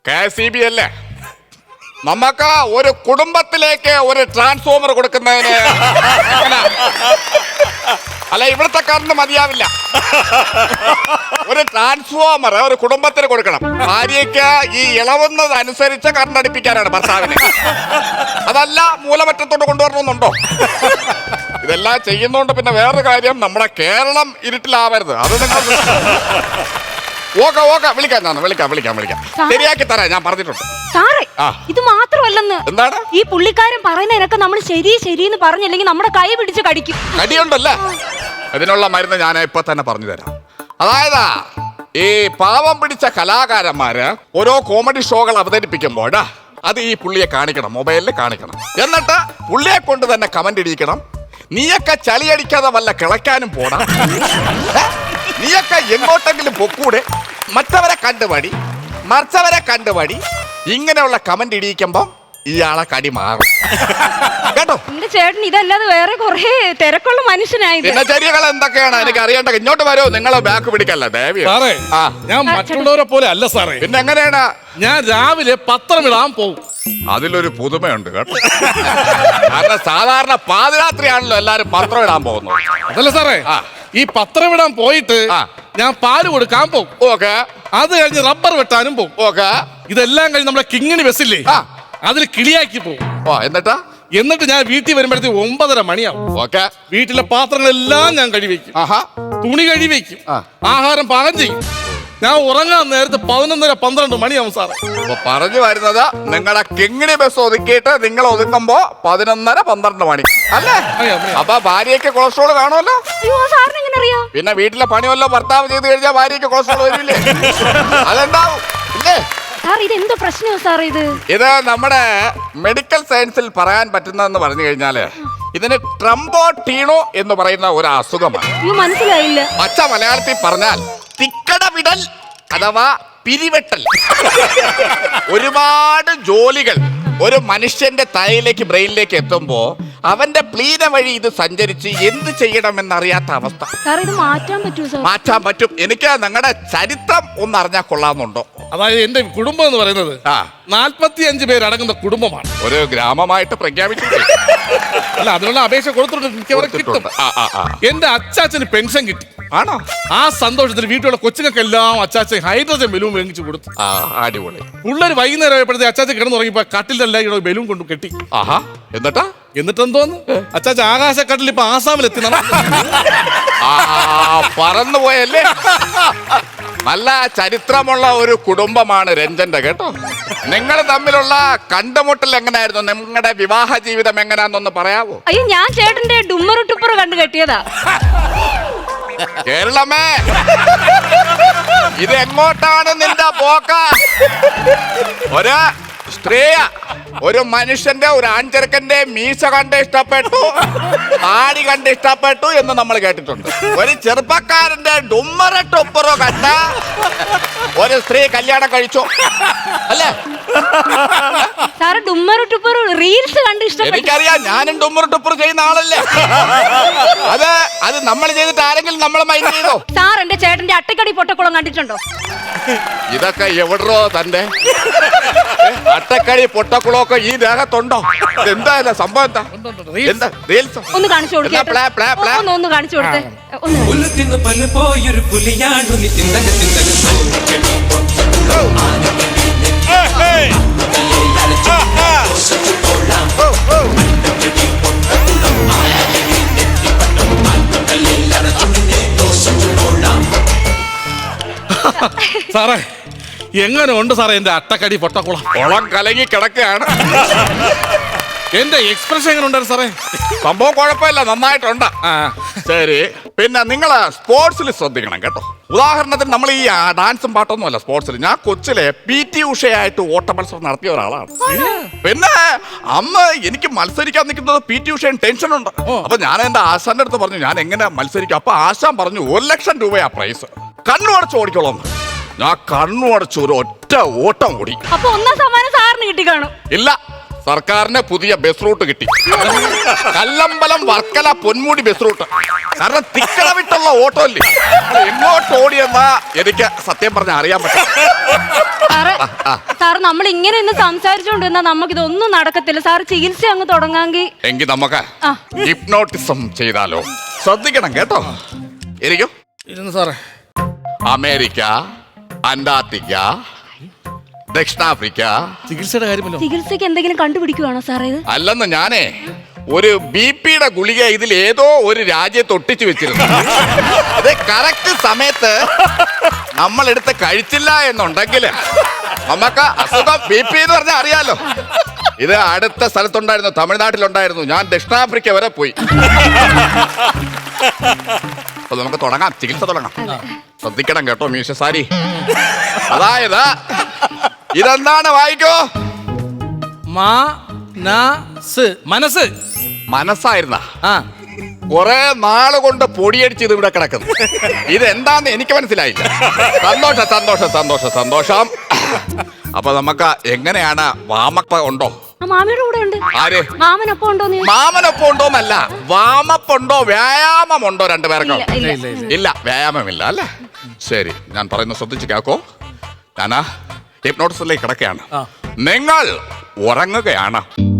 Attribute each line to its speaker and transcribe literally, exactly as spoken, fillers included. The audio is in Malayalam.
Speaker 1: കെ എസ് ഇ ബി അല്ലേ, നമുക്ക് ഒരു കുടുംബത്തിലേക്ക് ഒരു ട്രാൻസ്ഫോമർ കൊടുക്കുന്നതിന് അല്ല, ഇവിടുത്തെ കറണ്ട് മതിയാവില്ല. ഒരു ട്രാൻസ്ഫോമർ ഒരു കുടുംബത്തിന് കൊടുക്കണം. ഭാര്യയ്ക്ക് ഈ ഇളവുന്നത് അനുസരിച്ച് കറണ്ട് അടുപ്പിക്കാനാണ് ഭർത്താവിന്. അതല്ല മൂലമറ്റത്തോട്ട് കൊണ്ടുവരണമെന്നുണ്ടോ? ഇതെല്ലാം ചെയ്യുന്നോണ്ട് പിന്നെ വേറൊരു കാര്യം, നമ്മുടെ കേരളം ഇരുട്ടിലാവരുത്. അത് നിങ്ങൾ ഓക്കെ ഓക്കെ വിളിക്കാം, ഞാൻ വിളിക്കാം വിളിക്കാം വിളിക്കാം ശരിയാക്കി തരാം, ഞാൻ പറഞ്ഞിട്ടുണ്ട്.
Speaker 2: സാറേ ഇത് മാത്രമല്ലെന്ന്.
Speaker 1: എന്താണ്
Speaker 2: ഈ പുള്ളിക്കാരൻ പറയുന്നതിനൊക്കെ നമ്മൾ ശരി ശരിയെന്ന് പറഞ്ഞില്ലെങ്കിൽ നമ്മുടെ കൈ പിടിച്ച് കടിക്കും.
Speaker 1: കടിയുണ്ടല്ലേ? അതിനുള്ള മരുന്ന് ഞാൻ ഇപ്പൊ തന്നെ പറഞ്ഞു തരാം. അതായത് ഈ പാവം പിടിച്ച കലാകാരന്മാര് ഓരോ കോമഡി ഷോകൾ അവതരിപ്പിക്കുമ്പോൾ അത് ഈ പുള്ളിയെ കാണിക്കണം, മൊബൈലിൽ കാണിക്കണം. എന്നിട്ട് പുള്ളിയെ കൊണ്ട് തന്നെ കമന്റ് ഇടിക്കണം. നീയൊക്കെ ചളിയടിക്കാതെ വല്ല കിളയ്ക്കാനും പോടാ, നീയൊക്കെ എങ്ങോട്ടെങ്കിലും പൊക്കൂടെ, മറ്റവരെ കണ്ടുപടി, മറിച്ചവരെ കണ്ടുപടി. ഇങ്ങനെയുള്ള കമന്റ് ഇടിയിക്കുമ്പോ ഇയാളെ കടി മാറും കേട്ടോ.
Speaker 2: എന്റെ ചേട്ടൻ ഇതല്ലാതെ വേറെ കുറെ തിരക്കുള്ള മനുഷ്യനായി.
Speaker 1: ദിനചര്യകൾ എന്തൊക്കെയാണ് എനിക്ക് അറിയേണ്ടത്. ഇങ്ങോട്ട് വരോ, നിങ്ങളെ ബാക്ക് പിടിക്കല്ല ദേവി.
Speaker 3: ഞാൻ മറ്റുള്ളവരെ പോലെ അല്ല സാറേ.
Speaker 1: പിന്നെ എങ്ങനെയാണ്?
Speaker 3: ഞാൻ രാവിലെ പത്രം ഇടാൻ പോകും.
Speaker 1: അതിലൊരു പുതുമയുണ്ട് കേട്ടോ. കാരണം സാധാരണ പാതിരാത്രിയാണല്ലോ എല്ലാരും പത്രം ഇടാൻ പോകുന്നത്.
Speaker 3: അതല്ല സാറേ, ഈ പത്രം ഇടാൻ പോയിട്ട് ഞാൻ പാല് കൊടുക്കാൻ പോകും.
Speaker 1: ഓക്കെ.
Speaker 3: അത് കഴിഞ്ഞ് റബ്ബർ വെട്ടാനും പോകും.
Speaker 1: ഓക്കെ.
Speaker 3: ഇതെല്ലാം കഴിഞ്ഞ് നമ്മുടെ കിങ്ങിണി ബസ്സില്ലേ, അതിൽ കിളിയാക്കി പോകും.
Speaker 1: ഓ എന്നിട്ടാ
Speaker 3: എന്നിട്ട് ഞാൻ വീട്ടിൽ വരുമ്പോഴത്തേക്ക് ഒമ്പതര മണിയാവും.
Speaker 1: ഓക്കെ.
Speaker 3: വീട്ടിലെ പാത്രങ്ങളെല്ലാം ഞാൻ കഴിവെക്കും, തുണി കഴിവെക്കും, ആഹാരം പാകം ചെയ്യും. ഞാൻ ഉറങ്ങാൻ നേരത്തെ പതിനൊന്നര പന്ത്രണ്ട് മണിയാവും സാറേ.
Speaker 1: അപ്പൊ പറഞ്ഞു വരുന്നത് നിങ്ങളുടെ കിങ്ങിണി ബസ് ഒതുക്കിയിട്ട് നിങ്ങൾ ഒതുക്കുമ്പോ പതിനൊന്നര പന്ത്രണ്ട് മണി അല്ലേ? അപ്പൊ ഭാര്യയ്ക്ക് കൊളസ്ട്രോൾ കാണുമല്ലോ. പിന്നെ വീട്ടിലെ പണിയല്ലോ ഭർത്താവ് ചെയ്ത് കഴിഞ്ഞാൽ ഭാര്യയ്ക്ക് കൊളസ്ട്രോൾ വരില്ലേ? അതുണ്ടാവും ഇല്ലേ?
Speaker 2: ഇതെന്തോ പ്രശ്നമോ സാർ? ഇത്
Speaker 1: ഇത് നമ്മുടെ മെഡിക്കൽ സയൻസിൽ പറയാൻ പറ്റുന്നതെന്ന് പറഞ്ഞു കഴിഞ്ഞാല് ഇതിന് ട്രംബോട്ടീണോ എന്ന് പറയുന്ന ഒരു അസുഖമാണ്.
Speaker 2: മനസ്സിലായില്ല.
Speaker 1: പച്ച മലയാളത്തിൽ പറഞ്ഞാൽ തിക്കട വിടൽ അഥവാ പിരിവെട്ടൽ. ഒരുപാട് ജോലികൾ ഒരു മനുഷ്യന്റെ തലയിലേക്ക് ബ്രെയിനിലേക്ക് എത്തുമ്പോ അവന്റെ പ്ലീന വഴി ഇത് സഞ്ചരിച്ച് എന്ത് ചെയ്യണമെന്നറിയാത്ത അവസ്ഥ.
Speaker 2: ഇത് മാറ്റാൻ പറ്റുമോ?
Speaker 1: മാറ്റാൻ പറ്റും. എനിക്ക് നിങ്ങളുടെ ചരിത്രം ഒന്ന് അറിഞ്ഞാൽ കൊള്ളാമെന്നുണ്ടോ?
Speaker 3: അതായത് എന്റെ കുടുംബം എന്ന് പറയുന്നത് നാൽപ്പത്തി അഞ്ച് പേരടങ്ങുന്ന കുടുംബമാണ്.
Speaker 1: ഒരു ഗ്രാമമായിട്ട് പ്രഖ്യാപിച്ചിട്ട്
Speaker 3: അല്ല, അതിനുള്ള അപേക്ഷ കൊടുത്തിട്ടുണ്ട്. എന്റെ അച്ചാച്ചന് പെൻഷൻ കിട്ടി.
Speaker 1: ആണോ?
Speaker 3: ആ സന്തോഷത്തിൽ വീട്ടിലുള്ള കൊച്ചുങ്ങൾക്കെല്ലാം അച്ചാച്ചൻ ഹൈഡ്രജൻ ബലൂൺ മേടിച്ചു കൊടുത്തു.
Speaker 1: അടിപൊളി.
Speaker 3: പിള്ളേർ വൈകുന്നേരം ആയപ്പോഴത്തെ അച്ചാച്ചൻ കിടന്നുറങ്ങിയപ്പോ കട്ടിലെല്ലാം ബലൂൺ കൊണ്ട് കെട്ടി.
Speaker 1: ആഹാ. എന്നിട്ടാ
Speaker 3: എന്നിട്ട് എന്തോന്ന് അച്ചാച്ച ആകാശക്കട്ടിൽ ഇപ്പൊ ആസാമിലെത്തി
Speaker 1: പറന്നു പോയല്ലേ. നല്ല ചരിത്രമുള്ള ഒരു കുടുംബമാണ് രഞ്ജന്റെ കേട്ടോ. നിങ്ങൾ തമ്മിലുള്ള കണ്ടുമുട്ടൽ എങ്ങനെയായിരുന്നു? നിങ്ങളുടെ വിവാഹ ജീവിതം എങ്ങനെയാണെന്നൊന്ന് പറയാവോ?
Speaker 2: അയ്യോ, ഞാൻ ചേട്ടന്റെ ഡുമ്മറു ടുപ്പറ് കണ്ടു കെട്ടിയതാ.
Speaker 1: കേരളമേ, ഇത് എങ്ങോട്ടാണ് നിന്റെ പോക്ക? ഒരു സ്ത്രീയ ഒരു മനുഷ്യന്റെ ഒരു ആൺചെറുക്കന്റെ മീശ കണ്ട് ഇഷ്ടപ്പെട്ടു, താടി കണ്ട് ഇഷ്ടപ്പെട്ടു എന്ന് നമ്മൾ കേട്ടിട്ടുണ്ട്. ഒരു ചെറുപ്പക്കാരന്റെ ഡുമ്മറ ടൊപ്പറോ കണ്ട ഒരു സ്ത്രീ കല്യാണം കഴിച്ചു അല്ലേ?
Speaker 2: റീൽസ് കണ്ട് ഇഷ്ടപ്പെട്ടു.
Speaker 1: എനിക്കറിയാം, ഞാനും ഡുമ്മറ ടൊപ്പർ ചെയ്യുന്ന ആളല്ലേ. അത് അത് നമ്മൾ ചെയ്തിട്ട് ആരെങ്കിലും നമ്മളെ മൈൻഡ് ചെയ്തോ?
Speaker 2: സാർ എന്റെ ചേട്ടന്റെ അട്ടക്കടി പൊട്ടക്കുളം കണ്ടിട്ടുണ്ടോ?
Speaker 1: ഇതൊക്കെ എവിടോ തന്റെ അട്ടക്കടി പൊട്ടക്കുളമൊക്കെ ഈ ദേഹത്തുണ്ടോ? എന്താ സംഭവം? എന്താ എന്താ റീൽസ്
Speaker 2: ഒന്ന് കാണിച്ചു കൊടുക്കേ? ഒന്ന് കാണിച്ചു കൊടുത്തേ.
Speaker 3: സാറേ എങ്ങനെ ഉണ്ട് സാറേ എന്റെ അട്ടക്കടി പൊട്ടക്കുളം?
Speaker 1: കുളം കലങ്ങി കിടക്കുകയാണ്.
Speaker 3: എന്റെ എക്സ്പ്രഷൻ എങ്ങനെ ഉണ്ടായിരുന്നു സാറേ?
Speaker 1: സംഭവം കുഴപ്പമില്ല, നന്നായിട്ടുണ്ട്. ശരി, പിന്നെ നിങ്ങള് സ്പോർട്സിൽ ശ്രദ്ധിക്കണം കേട്ടോ. ഉദാഹരണത്തിന് നമ്മൾ ഈ ഡാൻസും പാട്ടൊന്നും അല്ല സ്പോർട്സിൽ. ഞാൻ കൊച്ചിലെ പി ടി ഉഷയായിട്ട് ഓട്ട മത്സരം നടത്തിയ ഒരാളാണ്. പിന്നെ അമ്മ എനിക്ക് മത്സരിക്കാൻ നിൽക്കുന്നത് പി ടി ഉഷയും ടെൻഷനുണ്ട്. അപ്പൊ ഞാൻ എന്റെ ആശാന്റെ അടുത്ത് പറഞ്ഞു ഞാൻ എങ്ങനെ മത്സരിക്കും. അപ്പൊ ആശാൻ പറഞ്ഞു ഒരു ലക്ഷം രൂപയാ പ്രൈസ്, കണ്ണു അടച്ച് ഓടിക്കോളാം. ഞാൻ കണ്ണു അടച്ച് ഒരു ഒറ്റ ഓട്ടം ഓടി.
Speaker 2: അപ്പൊ ഒന്നാം സമ്മാനം സാറിന് കിട്ടി കാണും?
Speaker 1: ഇല്ല, സർക്കാരിന് പുതിയ ബസ് റൂട്ട് കിട്ടി. Kallambalam Varkala Ponmudi bus route. കാരണം തിക്കട വിട്ടുള്ള ഓട്ടോ അല്ലേ, എങ്ങോട്ട് ഓടിയെന്നാ എനിക്ക് സത്യം പറഞ്ഞാൽ അറിയാൻ പറ്റും.
Speaker 2: സാറ് സാർ നമ്മൾ ഇങ്ങനെ ഒന്ന് സംസാരിച്ചോണ്ടിരുന്നാ നമുക്കിതൊന്നും നടക്കത്തില്ല. സാർ ചികിത്സ അങ്ങ് തുടങ്ങാങ്കി.
Speaker 1: എങ്കിൽ നമുക്ക്
Speaker 2: ആ.
Speaker 1: ഹിപ്നോട്ടിസം ചെയ്താലോ? ശ്രദ്ധിക്കണം കേട്ടോ. ഇരിക്കും.
Speaker 3: ഇരുന്ന് സാറേ.
Speaker 1: അമേരിക്ക, അന്റാർട്ടിക്ക, ദക്ഷിണാഫ്രിക്ക.
Speaker 3: ചികിത്സയുടെ കാര്യമല്ലോ.
Speaker 2: ചികിത്സക്ക് എന്തെങ്കിലും കണ്ടുപിടിക്കുവാണോ സാറേ ഇത്?
Speaker 1: അല്ലെന്ന് ഞാനേ ഒരു ബി പിയുടെ ഗുളിക ഇതിൽ ഏതോ ഒരു രാജ്യത്ത് ഒട്ടിച്ചു വെച്ചിരുന്നു. അത് കറക്റ്റ് സമയത്ത് നമ്മൾ എടുത്ത് കഴിച്ചില്ല എന്നുണ്ടെങ്കിൽ നമുക്ക് അസുഖം ബി പി എന്ന് പറഞ്ഞാൽ അറിയാലോ. ഇത് അടുത്ത സ്ഥലത്തുണ്ടായിരുന്നു, തമിഴ്നാട്ടിലുണ്ടായിരുന്നു. ഞാൻ ദക്ഷിണാഫ്രിക്ക വരെ പോയി. അപ്പൊ നമുക്ക് തുടങ്ങാം, ചികിത്സ തുടങ്ങാം. ശ്രദ്ധിക്കണം കേട്ടോ മീശ സാരി. അതായത് ഇതെന്താണ് വായിക്കോ?
Speaker 3: മനസ്. മനസ്സ്
Speaker 1: മനസ്സായിരുന്ന
Speaker 3: ആ
Speaker 1: കുറെ നാള് കൊണ്ട് പൊടിയടിച്ച് ഇത് ഇവിടെ കിടക്കുന്നു. ഇതെന്താന്ന് എനിക്ക് മനസ്സിലായില്ല. സന്തോഷം സന്തോഷം സന്തോഷം സന്തോഷം. അപ്പൊ നമുക്ക് എങ്ങനെയാണ്? വാമപ്പ ഉണ്ടോ?
Speaker 2: ആ മാമിയുടെ കൂടെ ഉണ്ട്.
Speaker 1: ആര്?
Speaker 2: മാമനൊപ്പം ഉണ്ടോ നീ?
Speaker 1: മാമനൊപ്പം ഉണ്ടോന്നല്ല, വാമപ്പുണ്ടോ വ്യായാമമുണ്ടോ രണ്ടുപേർക്കും?
Speaker 2: ഇല്ല, ഇല്ല.
Speaker 1: ഇല്ല, വ്യായാമമില്ല അല്ലേ? ശരി, ഞാൻ പറയുന്നത് ശ്രദ്ധിച്ച് കേൾക്കോ. ഞാനാ ഹിപ്നോട്ടിസിലേക്ക് കിടക്കുകയാണ്. നിങ്ങൾ ഉറങ്ങുകയാണ്.